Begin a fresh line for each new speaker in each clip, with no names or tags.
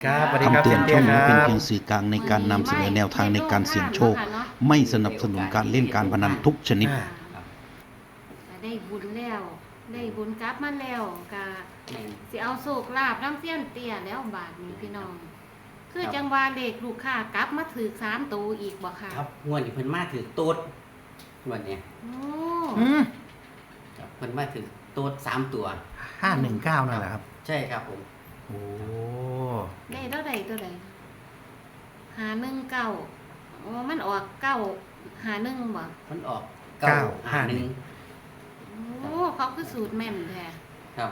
ครับสวัสดีครับ
คำเตือน
เซียนเตี้ยครั
ช่องนี้เป็น
บ
เพียงสื่อกลางในการนำเสนอแนวทางในการเสี่ยงโชค ไม่สนับสนุนการเล่นการพนันทุกชนิด
ได้บุญแล้วได้บุญกลับมาแล้วก็สิเอาโศกลาบน้ำเสี้ยนเตี้ยแล้วบาทนี้พี่น้อง คือจังว่าเลขลูกค้ากลับมาถือ3ตัวอีกบ่ค่ะ
ครับงวดนี้เพิ่นมาถือตูดงวดเนี้ย
โอ้
ครับเพิ่นมาถือตูด3 ตัว
519นั่นแหละครับ
ใช่ครับผม
โอ้
ได้เท่าใดตัวใด519โอ้มันออก951บ่
มันออก
โอ้เขาคือสูตรแม่นแท้
ครับ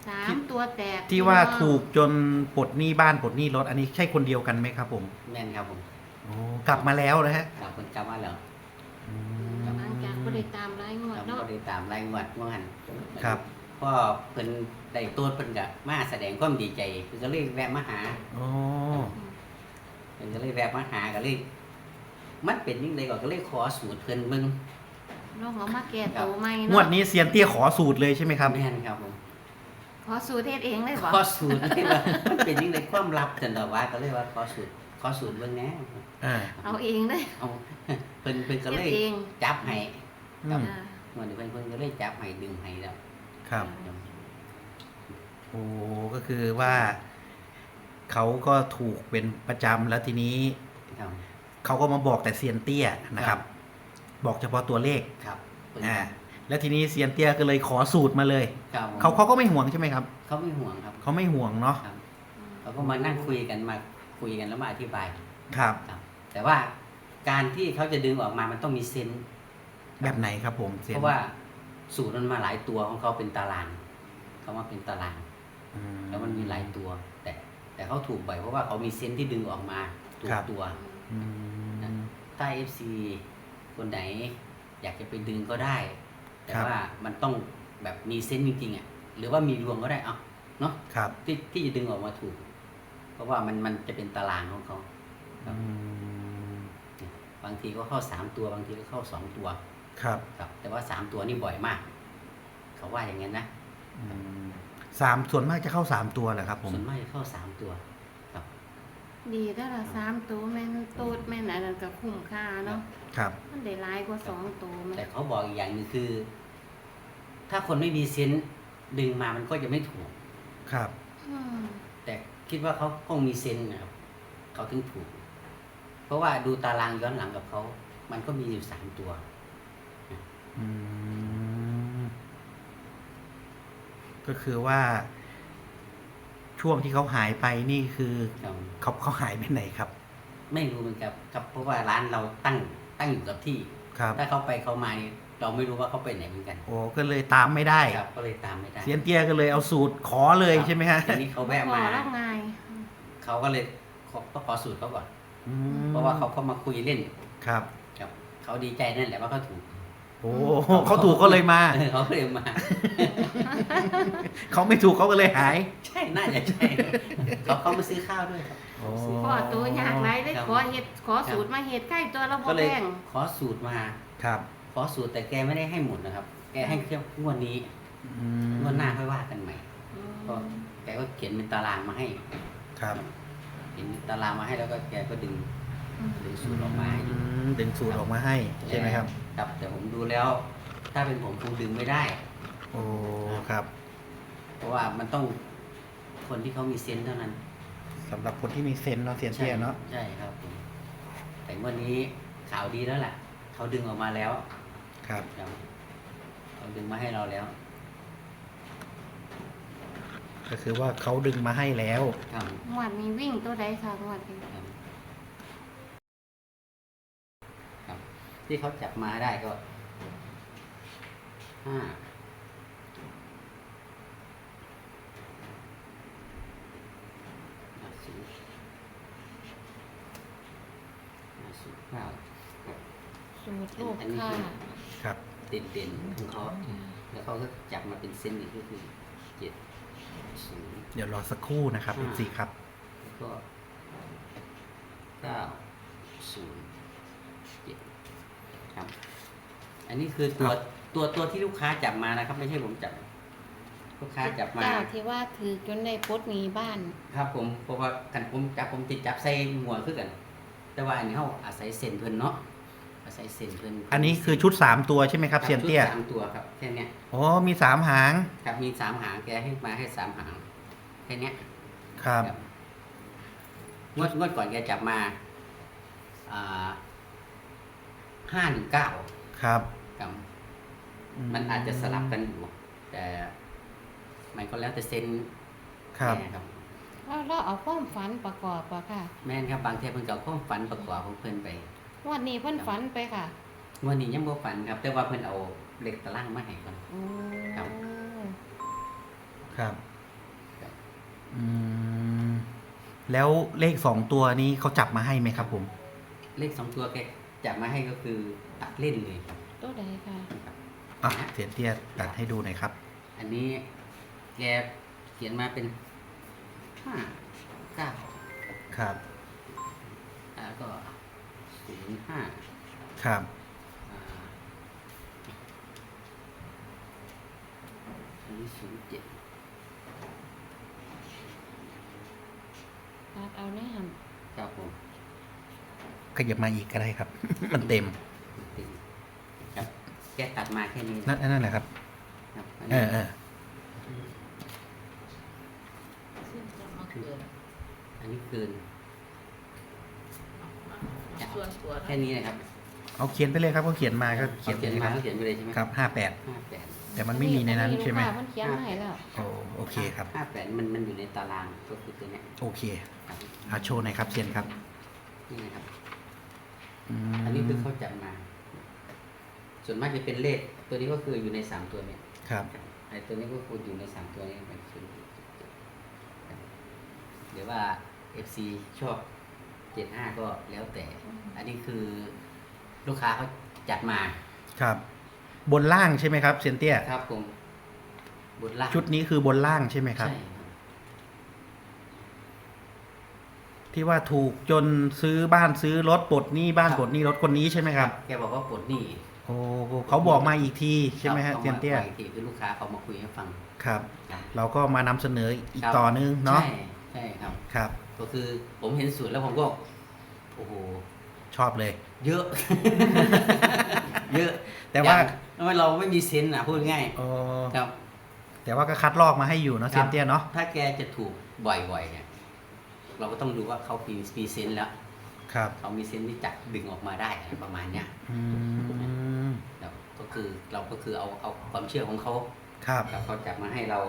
3ตัวแตก
ที่ว่าถูกจนปลดหนี้บ้านปลดหนี้รถอันนี้ใช่คนเดียวกันไหมครับผม
แม่นครับผม
โอ้กลับมาแล้วนะฮะ
ครับเพิ่นกลับมาแล้ว
อื
หลังจากบ่ได้ตามรายงวด
ครับ
เนาะ
บ่ได้ตามรายงวดว่าหั่น
ครับ
พอเพิ่นได้ตูดเพิ่นก็มาแสดงความดีใจเพิ่นก็เลยแวะมาหา
โอ้
เพิ่นก็เลยแวะมาหาก็เลยมันเป็นจังไดก็เลยขอสูตรเพิ่นเบิ่ง
น้องเอามาแก้ตัวใหม่
ง
เนาะ
วดนี้เซียนเตี้ยขอสูตรเลยใช่ไหมครับ
แม่นครับผม
ขอสูตรเฮ็ดเองเลยบ่
ขอสูตรเลยว่ามันเป็นยังไงความลับจังดอกว่าก็เลยว่าขอสูตรเบิ่งแหน่
อ่า
เอาเองเลย
เอา เพิ่นก็เลย
เฮ็ดเอง
จับให้
อืม
อ่า
เหมือนเพิ่นก็เลยจับให้ดึงให้แล้ว
ครับ โอ้ก็คือว่า เขาก็ถูกเป็นประจำแล้วทีนี้
ครับ
เขาก็มาบอกแต่เซียนเตี้ยนะครับ บอกเฉพาะตัวเลข
ครับเพิ่น
แล้วทีนี้เซียนเตี้ยก็เลยขอสูตรมาเลย
ครับ
เขาก็ไม่ห่วงใช่ไหมครับ
เขาไม่ห่วงครับ
เขาไม่ห่วงเนาะ
ครับเขาก็มานั่งคุยกันแล้วมาอธิบาย
ครับ
ครับ แต่ว่าการที่เขาจะดึงออกมามันต้องมีเซนส์
แบบไหนครับผมเซียน
เพราะว่าสูตรมันมาหลายตัวของเขาเป็นตารางเขามาเป็นตาราง
อื
แล้วมันมีหลายตัว แต่เขาถูกบ่อยเพราะว่าเขามีเซนส์ที่ดึงออกมาถูกตัว
อืม
ถ้า FC คนไหนอยากจะไปดึงก็ได้ แต่
ครับ
ว่ามันต้องแบบมีเซนส์จริงๆอ่ะหรือว่ามีดวงก็ได้เอาเนาะ
ครับ
ที่จะดึงออกมาถูก เพราะว่ามันจะเป็นตารางของเขาครับ
อืม
บางทีก็เข้า3ตัวบางทีก็เข้า2ตัว
ครับ
ครับ แต่ว่า3ตัวนี่บ่อยมาก เขาว่าอย่างนั้นนะ
อืมส่วนมากจะเข้า3 ตัวเหรอครับผม
ส่วนมากจะเข้า3ตัวครับ
ดีได้ละ3ตัวแม่นตูดแม่นอันนั้นก็คุ้มค่าเนาะ
ครับ
มันได้หลายกว่า2ตัวแม่
แต่เขาบอกอีกอย่างหนึงคือ ถ้าคนไม่มีเซนส์ดึงมามันก็จะไม่ถูก
ครับ
อืม
แต่คิดว่าเขาคงมีเซนส์นะครับเขาถึงถูก เพราะว่าดูตารางย้อนหลังกับเขา มันก็มีอยู่3ตัว
อืมก็คือว่า ช่วงที่เขาหายไปนี่คือ เขาหายไปไหนครับ
ไม่รู้เหมือนกันครับ เพราะว่าร้านเราตั้งอยู่กับที่
ครับ
ถ้าเขาไปเขามานี่เราไม่รู้ว่าเขาไปไหนเหมือนกัน
โอ้ก็เลยตามไม่ได้
ครับ ก็เลยตามไม่ได้
เซียนเตี้ยก็เลยเอาสูตรขอเลยใช่ไหมฮะ
ทีนี้เขาแวะ
พอ
มา
แล้วไง
เขาก็เลยก็ขอสูตรเขาก่อน
อืม
เพราะว่าเขาก็มาคุยเล่น
ครับ
ครับเขาดีใจนั่นแหละว่าเขาถูก
โอ้เขาถูกก็เลยมา
เขาก็เลยมา
เขาไม่ถูกเขาก็เลยหาย
ใช่น่าจะใช่เขามาซื้อข้าวด้วยครับ
โอ้
ขอตัวยากไรได้
ครับ
ขอสูตรมาเฮ็ดใกล้ตัวเราบ่
ก็เลย
แพง
ขอสูตรมา
ครับ
ขอสูตรแต่แกไม่ได้ให้หมดนะครับ แกให้แค่งวดนี้
อืม
งวดหน้าค่อยว่ากันใหม่
อืม
ก็แกก็เขียนเป็นตารางมาให้
ครับ
เขียนตารางมาให้แล้วก็แกก็ดึงสูตรออกมาให้ดู
ดึงสูตรออกมาให้ใช่ไหมครับ
ครับ แต่ผมดูแล้ว ถ้าเป็นผมคงดึงไม่ได้
โอ้ครับ
เพราะว่ามันต้องคนที่เขามีเซนส์เท่านั้น
สำหรับคนที่มีเซนส์เนาะเซียนเตี้ยเนาะ
ใช่ครับผมแต่วันนี้ข่าวดีแล้วแหละเขาดึงออกมาแล้ว
ครับ
ครับเขาดึงมาให้เราแล้ว
ก็คือว่าเขาดึงมาให้แล้ว
ครับ
งวดนี้วิ่งตัวใดค่ะงวดนี้
ครับครับ ที่เขาจับมาได้ก็5
สูตรลูกค่ะ
ครับ
เด่นๆของเขาแล้วเขาก็จับมาเป็นเส้นหนึ่งก็คือ7 0
เดี๋ยวรอสักครู่นะครับ
อ่า
FC ครับ
แล้วก็9 0 7ครับ อันนี้คือตัวที่ลูกค้าจับมานะครับ ไม่ใช่ผมจับลูกค้าจับมา
เจ้าที่ว่าถือจนได้ปลดหนี้บ้าน
ครับผมเพราะว่ากันผมติดจับใส่หัวคือกัน แต่ว่าอันนี้เขาอาศัยเส้นเพิ่นเนาะอาศัยเส้นเพิ่น
อันนี้คือชุด3ตัวใช่ไหมครับเซียนเตี้ย
ชุด3ตัวครับแค่เนี้ย
อ๋อมี3 หาง
ครับมี3 หางแกให้มาให้3 หางแค่เนี้ย
ครับ
งวดก่อนแกจับมา519
ครับ
ครับ มันอาจจะสลับกันอยู่แต่มันก็แล้วแต่เซน
ครับ
แม่ครับ
เราเอาความฝันประกอบป่ะค่ะ
แม่นครับบางทีเพิ่นก็เอาความฝันประกอบของเพิ่นไป
วันนี้เพิ่นฝันไปค่ะ
งวันนี้ยังบ่ฝันครับ แต่ว่าเพิ่นเอาเหล็กตะล่างมาให้ก่อน
โอ้
ครับ
ครับ
ครับ
อืมแล้วเลข2ตัวนี้เขาจับมาให้ไหมครับผม
เลข2 ตัวแกจับมาให้ก็คือตัดเล่นเลยครับ
ตัวใดค่ะ
ครับ
อ่ะเซียนเตี้ยตัดให้ดูหน่อยครับ
อันนี้แกเขียนมาเป็น5 9
ครับ
แล้วก็05
ครับ
อันนี้07
ตัดเอาแน่หัน
ครับผม
ขยับมาอีกก็ได้ครับ มันเต็ม
ครับแกตัดมาแค่นี้
นั่นแหละครับ
ครับ
เออ
อันนี้คืน
ส่วนตัว
แค่นี้นะครับ
เอาเขียนไปเลยครับเขาเขียนมาก็
เขียน
ไป
มาก็เขียนไปเลยใช่ไหม
ครับ 58
58
แต่มันไม่มีในนั้นใช่ไหม
มันเขียนมาให้แล้ว
โอเคครับ
58มันอยู่ในตารางก็คือตัวเนี้ย
โอเค
ครับ
โชว์หน่อยครับเซียนครับ
นี่นะครับ
ม
อันนี้คือเขาจับมา ส่วนมากจะเป็นเลข ตัวนี้ก็คืออยู่ใน3ตัวเนี่ย
ครับ
ไอ้ตัวนี้ก็คืออยู่ใน3ตัวนี้มันคือหรือว่า FC ชอบ75ก็แล้วแต่ อันนี้คือลูกค้าเขาจัดมา
ครับ บนล่างใช่ไหมครับเซียนเตี้ย
ครับผมบนล่าง
ชุดนี้คือบนล่างใช่ไหมครับ
ใช่ครับ
ที่ว่าถูกจนซื้อบ้านซื้อรถปลดหนี้บ้านปลดหนี้รถคนนี้ใช่ไหมครับ
แกบอกว่าปลดหนี้
โอ้เขาบอกมาอีกทีใช่ไหมฮะ
ครับ
เซียนเตี้ย
ขามาอีกทีคือลูกค้าเขามาคุยให้ฟัง
ครับ
ครับ
เราก็มานำเสนออีก
ครับ
ต่อนึงเนาะ
ใช่ใช่ครับ
ครับ
ก็คือผมเห็นสูตรแล้วผมก็โอ้โห
ชอบเลย
เยอะ เยอะ
แต่ว่า
อย่งเราไม่มีเซนส์นะพูดง่าย
โอ้
ครับ
แต่ว่าก็คัดลอกมาให้อยู่เนาะเซียนเตี้ยเนาะ
ถ้าแกจะถูกบ่อยๆเนี่ยเราก็ต้องดูว่าเขามีเซนส์แล้ว
ครับ
เขามีเซนส์ที่จับดึงออกมาได้อะไรประมาณเนี้ย
อืม
แล้วก็คือเราก็คือเอาความเชื่อของเขา
ครับ
ครับเขาจับมาให้เรา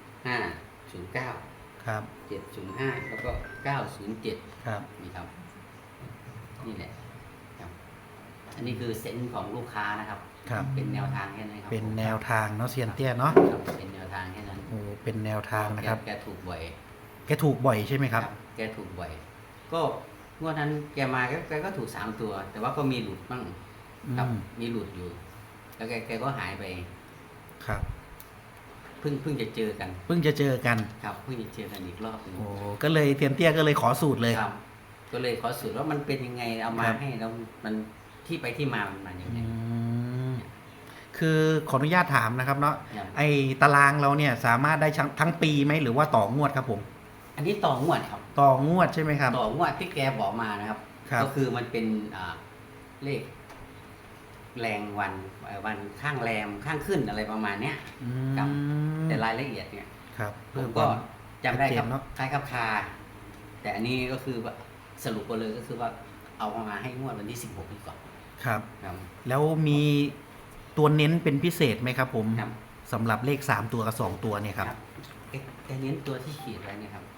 509
ครับ
705แล้วก็907
ครับ
นี่ครับ นี่แหละครับ อันนี้คือเซนส์ของลูกค้านะครับ
ครับ
เป็นแนวทางแค่นั้นครับ
เป็นแนวทางเนาะเซียนเตี้ยเนาะ
ครับเป็นแนวทางแค่นั้น
โอ้เป็นแนวทางนะครับ
แกถูกบ่อย
แกถูกบ่อยใช่ไหมครับ
แกถูกบ่อย ก็งวดนั้นแกมาแกก็ถูก3 ตัว แต่ว่าก็มีหลุดบ้างครับ
อืม
มีหลุดอยู่ แล้วแกก็หายไป
ครับ
เพิ่งจะเจอกัน
เพิ่งจะเจอกัน
ครับเพิ่งจะเจอกันอีกรอบหนึง
โอ้ก็เลยเซียนเตี้ยก็เลยขอสูตรเลย
ครับ ก็เลยขอสูตรว่ามันเป็นยังไงเอามา
ครับ
ให้แล้วมันที่ไปที่มามันมาอย่างไร
อืมคือขออนุญาตถามนะครับเนาะ
ครับ
ไอตารางเราเนี่ยสามารถได้ทั้งปีไหมหรือว่าต่องวดครับผม
อันนี้ต่องวดครับ
ต่องวดใช่ไหมครับ
ต่องวดที่แกบอกมานะครับ
ครับ
ก็คือมันเป็นเลขแรงวันข้างแรมข้างขึ้นอะไรประมาณเนี้ย
อื
ครับ
ม
แต่รายละเอียดเนี่ย
ครับ
ผ
เพื่อ
ม
ค
ก็
วาม
จำได้ครับ
ชัดเจนเนอะ
คล้ายครับคาแต่อันนี้ก็คือว่าสรุปไปเลยก็คือว่าเอามาให้งวดวันที่16นี้ก่อน
ครับ
ครับ
แล้วมีตัวเน้นเป็นพิเศษไหมครับผม
ครับ
สำหรับเลข3ตัวกับ2ตัวเนี่ยครับ
แกเน้นตัวที่ขีดไว้เนี่ยครับ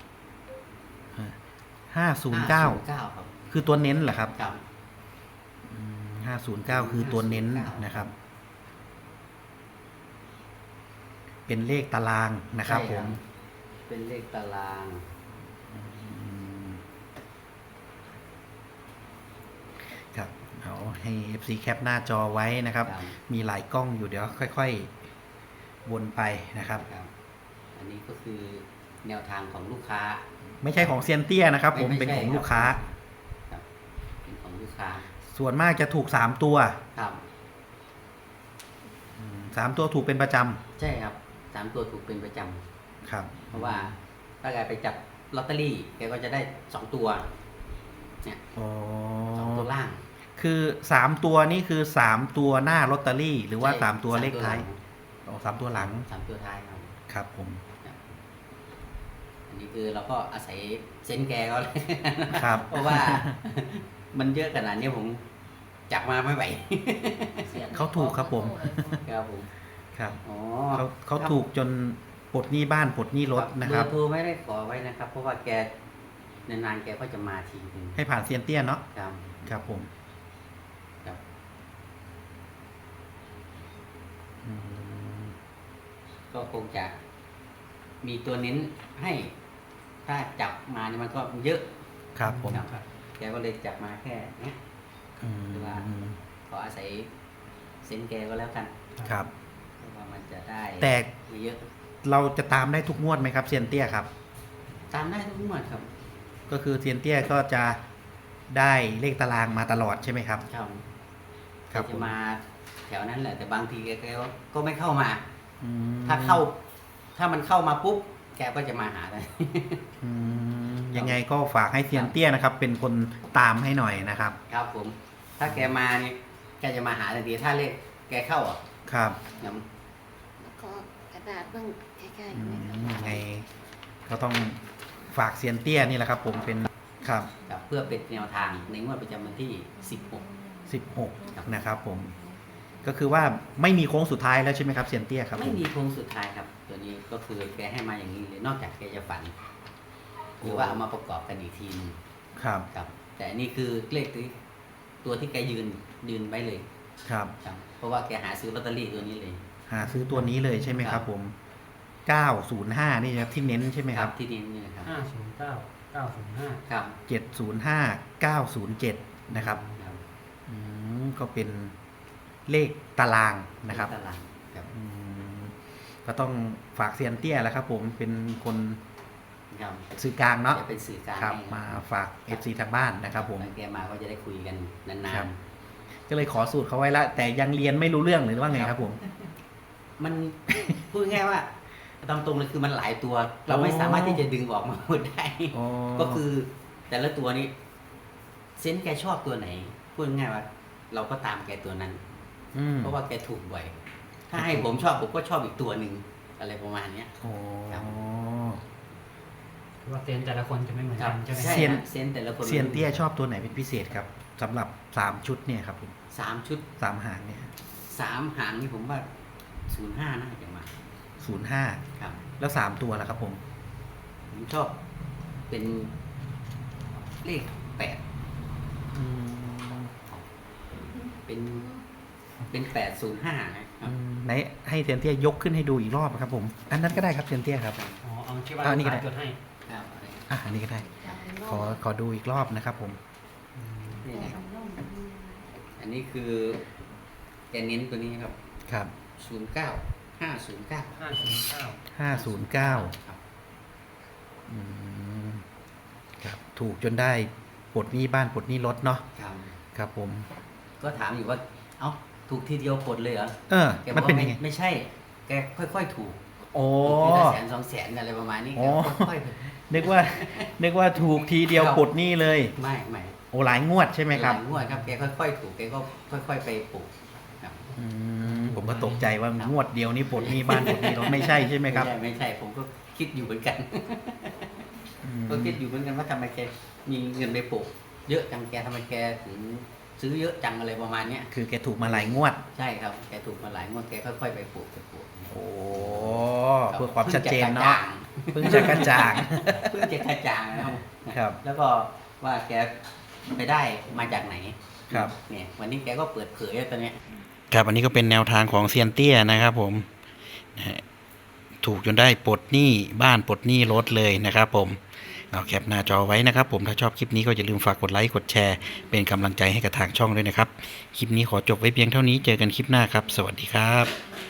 509
ครับ
คือตัวเน้นเหรอครับ
ครับ
509 คือตัวเน้นนะครับ เป็นเลขตารางนะครับ
ใช่
ผม
เป็นเลขตาราง
อืมครับเอาให้ FC แคปหน้าจอไว้นะครับ
ครับ
มีหลายกล้องอยู่เดี๋ยวค่อยๆวนไปนะครับ
ครับ อันนี้ก็คือแนวทางของลูกค้า
ไม่ใช่ของเซียนเตี้ยนะครับ ผม
ไ
เป็นของ
ใช่
ลูกค้า
ครับเป็นของลูกค้า
ส่วนมากจะถูก3ตัว
ครับ
3ตัวถูกเป็นประจ
ใช่ครับ 3 ตัวถูกเป็นประจำ
ครับ
เพราะว่าถ้าแกไปจับลอตเตอรี่แกก็จะได้2 ตัวเนี่ย
อ๋อ
2 ตัวล่าง
คือ3ตัวนี่คือ3ตัวหน้าลอตเตอรี่ หรือว่า
ใช่
3ตัวเลขท้าย
หลัง
อ๋อ3ตัวหลัง
3 ตัวท้ายครับ
ครับผม
อันนี้คือเราก็อาศัยเซนส์แกก็เลย
ครับ
เพราะว่า มันเยอะขนาดนี้ผมจับมาไม่ไหว
เขาถูกครับผม
ครับผม
ครับ
อ๋อ
เขาถูกจนปลดหนี้บ้านปลดหนี้รถนะครับ
เบอร์โทรไม่ได้ขอไว้นะครับ เพราะว่าแกนานๆแกก็จะมาทีนึง
ให้ผ่านเซียนเตี้ยเนาะ
ครับ
ครับผม
ครับ
อืม
ก็คงจะมีตัวเน้นให้ ถ้าจับมาเนี่ยมันก็เยอะ
ครับผม
ครับแกก็เลยจับมาแค่เนี้ย
อืม
หรือว่า ขออาศัยเซนส์แกก็แล้วกัน
ครับ
เพราะว่ามันจะได้
แต่
ไม่เยอะ
เราจะตามได้ทุกงวดไหมครับเซียนเตี้ยครับ
ตามได้ทุกงวดครับ
ก็คือเซียนเตี้ยก็จะได้เลขตารางมาตลอดใช่ไหมครับ
ครับ
ครับ
จะมาแถวนั้นแหละ แต่บางทีแกก็ไม่เข้ามา
อืม
ถ้ามันเข้ามาปุ๊บแกก็จะมาหาเลย
อืมยังไงก็ฝากให้เซียนเตี้ยนะครับ เป็นคนตามให้หน่อยนะครับ
ครับผม ถ้าแกมาเนี่ยแกจะมาหาทันทีถ้าเลขแกเข้าอ่ะ
ครับ
เดี๋ยว
แล้วก็กระดาษเบิ่งใกล้ๆ
อื
ไหม
มยังไงก็ต้องฝากเซียนเตี้ยนี่แหละครับ ผมเป็นครับ
ครับเพื่อเป็นแนวทางในงวดประจำวันที่
16นะครับ ผม ก็คือว่าไม่มีโค้งสุดท้ายแล้วใช่ไหมครับเซียนเตี้ยครับ
16
ผ
ไม่
ม
มีโค้งสุดท้ายครับ ตัวนี้ก็คือแกให้มาอย่างนี้เลย นอกจากแกจะฝัน หรือว่าเอามาประกอบกันอีกทีนึง
ครับ
ครับ แต่อันนี่คือเลขตัวที่แกยืนไว้เลย
ครับ
ครับ เพราะว่าแกหาซื้อลอตเตอรี่ตัวนี้เลย
หาซื้อตัวนี้เลยใช่ไหมครับ ผม 905นี่ครับที่เน้นใช่ไหมครับ
ที่นี้นี่นะครับ
509 905
ครับ
705 907นะครับ
ครับ
อืมก็เป็นเลขตารางนะครับ
ตารางครับ
อืมก็ต้องฝากเซียนเตี้ยแล้วครับ ผมเป็นคน
ครับ
สื่อกลางเนาะ
จะเป็นสื่อกลาง
ครับ
ให้
มาฝาก FC ทางบ้านนะครับ ผม
แล้วแกมาก็จะได้คุยกันนา
ครั
น
บ ก็เลยขอสูตรเขาไว้ละแต่ยังเรียนไม่รู้เรื่องหรือว่าไงครับผม
ๆ มัน พูดง่ายๆว่าตามตรงเลยคือมันหลายตัว เราไม่สามารถที่จะดึงออกมาหมดได้
อ๋อ
ก็คือแต่ละตัวนี้ เซนส์แกชอบตัวไหน พูดง่ายๆว่า เราก็ตามแกตัวนั้น
ม
เพราะว่าแกถูกบ่อย ถ้าให้ผมชอบผมก็ชอบอีกตัวหนึ่งอะไรประมาณเนี้ย
อ๋อ
ครับ
คือว่าเซนส์แต่ละคนจะไม่เหมือนกันใช่ไหม
ใช่
เซียน
ฮะเซนส์แต่ละคน
เซียนเตี้ยชอบตัวไหนเป็นพิเศษครับสำหรับ3ชุดเนี่ยครับผม
3 ชุด
3หางเนี่ย
3 หางนี่ผมว่า 05 น่าจะมา
05
ครับ
แล้ว3ตัวล่ะครับผม
ผมชอบเป็นเลข
อืม
8 เป็น 805 นะครับ
ไหนให้เซียนเตี้ยยกขึ้นให้ดูอีกรอบครับผม อันนั้นก็ได้ครับเซียนเตี้ยครับ
อ๋อเอาที่ว่า
อ่านี่ก็ได้
จดให้
ครับอะไรนะ
อันนี้ก็ได้ ขอดูอีกรอบนะครับผม
นี่นะครับ อันนี้คือแกเน้นตัวนี้ครับ
ครับ
09 509
509
ครับ
อืมครับถูกจนได้ปลดหนี้บ้านปลดหนี้รถเนาะ
ครับ
ครับผม
ก็ถามอยู่ว่า เอ้า ถูกทีเดียวปลดเลยเหรอ
เออ
แกบ
มั
อน ก
เป็น
ว่า
ยังไง
ไม่ใช่ แกค่อยๆถูก
โอ้
ถูกทีละ100,000 200,000อะไรประมาณนี้
อ๋
แก
อ
ค่อย
นึกว่า นึกว่าถูกทีเดียว
ครับ
ปลดหนี้เลย
ๆไม่ไม่
โอ้หลายงวดใช่ไหมครับ
หลายงวดครับ แกค่อยๆถูก แกก็ค่อยๆไปปลูกครับ
ผมก็ตกใจว่างวดเดียวนี่ปลดหนี้บ้านปลดหนี้รถไม่ใช่ใช่ไหมครับ
ไม่ใช่ ผมก็คิดอยู่เหมือนกัน
อืม
ก็คิดอยู่เหมือนกันว่าทำไมแกมีเงินไปปลูกเยอะจังแกทำไมแกถึงซื้อเยอะจังอะไรประมาณเนี้ย
คือแกถูกมาหลายงวด
ใช่ครับ แกถูกมาหลายงวดแกค่อยๆไปปลูก
โอ้
ครับ
เพื่อความชัดเจน
พิ่ง
เนาะเพิ่งจะกระจ่าง
เพิ่งจะกระจ่างนะครับ
ครับ
แล้วก็ว่าแกไปได้มาจากไหน
ครับ
เนี่ย วันนี้แกก็เปิดเผยตัวเนี้ย
ครับอันนี้ก็เป็นแนวทางของเซียนเตี้ยนะครับผมนะฮะถูกจนได้ปลดหนี้บ้านปลดหนี้รถเลยนะครับผมเอาแคปหน้าจอไว้นะครับผมถ้าชอบคลิปนี้ก็อย่าลืมฝากกดไลค์กดแชร์เป็นกำลังใจให้กับทางช่องด้วยนะครับคลิปนี้ขอจบไว้เพียงเท่านี้เจอกันคลิปหน้าครับ สวัสดีครับ